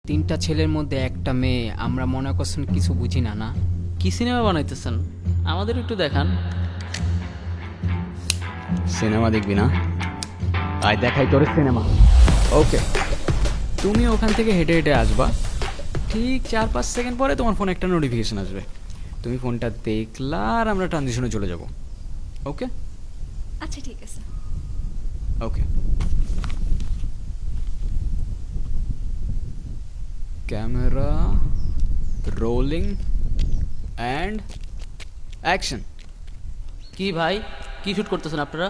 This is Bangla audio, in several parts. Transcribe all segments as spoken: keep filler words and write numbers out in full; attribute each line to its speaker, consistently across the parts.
Speaker 1: তিনটা ছেলের মধ্যে একটা মেয়ে, আমরা মনে করছেন কিছু বুঝি না না।
Speaker 2: কি সিনেমা বানাইতেছেন আমাদের একটু দেখান।
Speaker 3: সিনেমা দেখবি না? আয় দেখাই তোর সিনেমা। ওকে, তুমি ওখান থেকে হেঁটে হেঁটে আসবা, ঠিক চার পাঁচ সেকেন্ড পরে তোমার ফোনে একটা নোটিফিকেশন আসবে। তুমি ফোনটা দেখলা আর আমরা ট্রানজিশনে চলে যাব। ওকে
Speaker 4: আচ্ছা ঠিক আছে।
Speaker 3: Okay, camera rolling and action.
Speaker 2: কি ভাই, কি শুট করতেছেন আপনারা?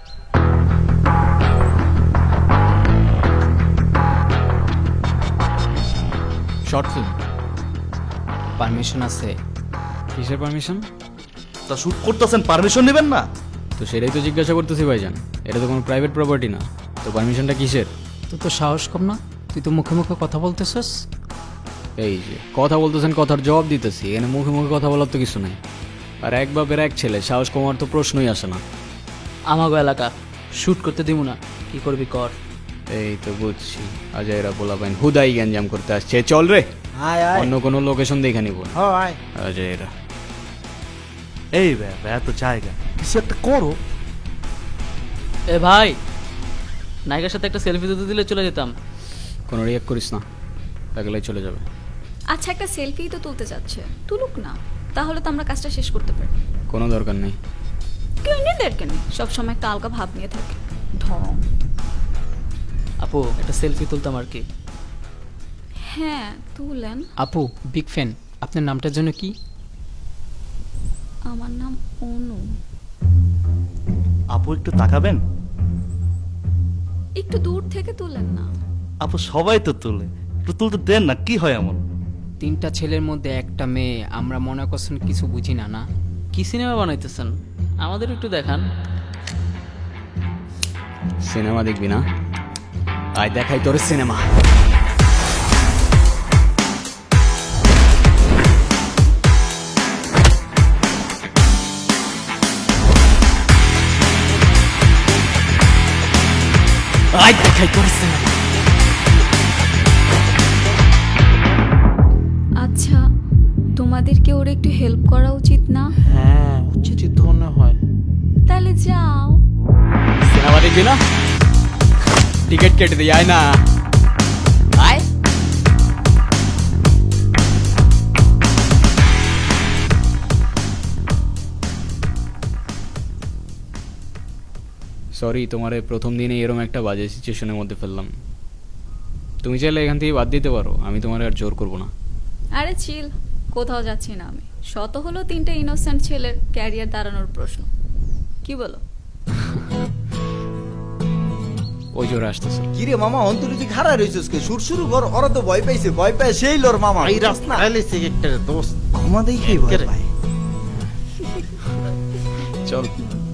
Speaker 3: Short film.
Speaker 1: পারমিশন আছে?
Speaker 3: কিসের পারমিশন?
Speaker 5: তা শুট করতেছেন, পারমিশন নেবেন না?
Speaker 3: তো সেটাই তো জিজ্ঞাসা করতেছি ভাইজান, এটা তো কোনো প্রাইভেট প্রপার্টি না, তো পারমিশনটা কিসের?
Speaker 1: তুই তো সাহস কম না, তুই তো মুখে মুখে কথা বলতেছস।
Speaker 3: এই যে কথা বলতেছেন, কথার জবাব দিতেছি, এখানে মুখে মুখে কথা বলার তো কিছু নাই। আর এক বাপের এক ছেলে, সাহস কমার তো প্রশ্নই আসে না।
Speaker 2: আমাগো এলাকা শুট করতে দিব না, কি করবি কর।
Speaker 3: এই তো বুঝছি, আজ এরা বলা পাইন হুদাই গ্যাঞ্জাম করতে আসছে। চল রে,
Speaker 6: আয় আয়
Speaker 3: অন্য কোনো লোকেশন দেখে নিব।
Speaker 6: হ আয়
Speaker 3: আজ এরা
Speaker 5: এই ব্যাপার এত জায়গা, কিছু একটা করো।
Speaker 2: এ ভাই, নায়িকার সাথে একটা সেলফি তুলতে দিলে চলে যেতাম।
Speaker 3: কোনো রিয়াক্ট করিস না, তাহলে চলে যাবে।
Speaker 4: আচ্ছা একটা সেলফি তো তুলতে যাচ্ছে, তুলুক না, তাহলে তো আমরা কাজটা শেষ করতে পারি।
Speaker 3: কোনো দরকার নেই।
Speaker 4: কেউ নেদেরকে নেই, সবসময় একটা আলগা ভাব নিয়ে থাকে। ঢং।
Speaker 2: আপু একটা সেলফি তুলতাম আর কি।
Speaker 4: হ্যাঁ তুলেন।
Speaker 1: আপু বিগ ফ্যান, আপনার নামটার জন্য কি?
Speaker 4: আমার নাম অনু।
Speaker 5: আপু একটু তাকাবেন?
Speaker 4: একটু দূর থেকে তুলেন না।
Speaker 5: আপু সবাই তো তুলে, একটু তুলতে দেন না, কি হয় এমন?
Speaker 1: তিনটা ছেলের মধ্যে একটা মেয়ে, আমরা মনে করছেন কিছু বুঝি না না।
Speaker 2: কি সিনেমা বানাইতেছেন আমাদের একটু দেখান।
Speaker 3: সিনেমা দেখবি না? আয় দেখাই তোর সিনেমা। আয় দেখাই তোর সিনেমা।
Speaker 4: আচ্ছা তোমাদেরকে ওর একটু হেল্প করা উচিত না?
Speaker 6: হ্যাঁ উচিত মনে হয়।
Speaker 4: তাহলে যাও।
Speaker 3: সিনেমা দেখবি না? টিকিট কেটে দিই, আয় না। আয়। সরি, তোমার এই প্রথম দিনে এরকম একটা বাজে সিচুয়েশনের মধ্যে ফেললাম। তুমি চাইলে এখান থেকে বাদ দিতে পারো, আমি তোমার আর জোর করবো না।
Speaker 4: আরে চিল, কোথাও যাচ্ছি না আমি। শত হলো তিনটে ইনোসেন্ট ছেলের ক্যারিয়ার দাঁড়ানোর প্রশ্ন। কি বলো?
Speaker 3: ওই জোরে আসতেছে।
Speaker 6: কিরে মামা অন্তরিতি খারাপ রয়েছিস কে? সুর শুরু কর, ওরা তো ভয় পাইছে, ভয় পায় সেই লোর মামা।
Speaker 7: এই রাস্তা আইলেছে একটা দোস্ত
Speaker 6: ক্ষমা দেখেই ভয়
Speaker 7: একেবারে।
Speaker 6: পায়।
Speaker 3: চল।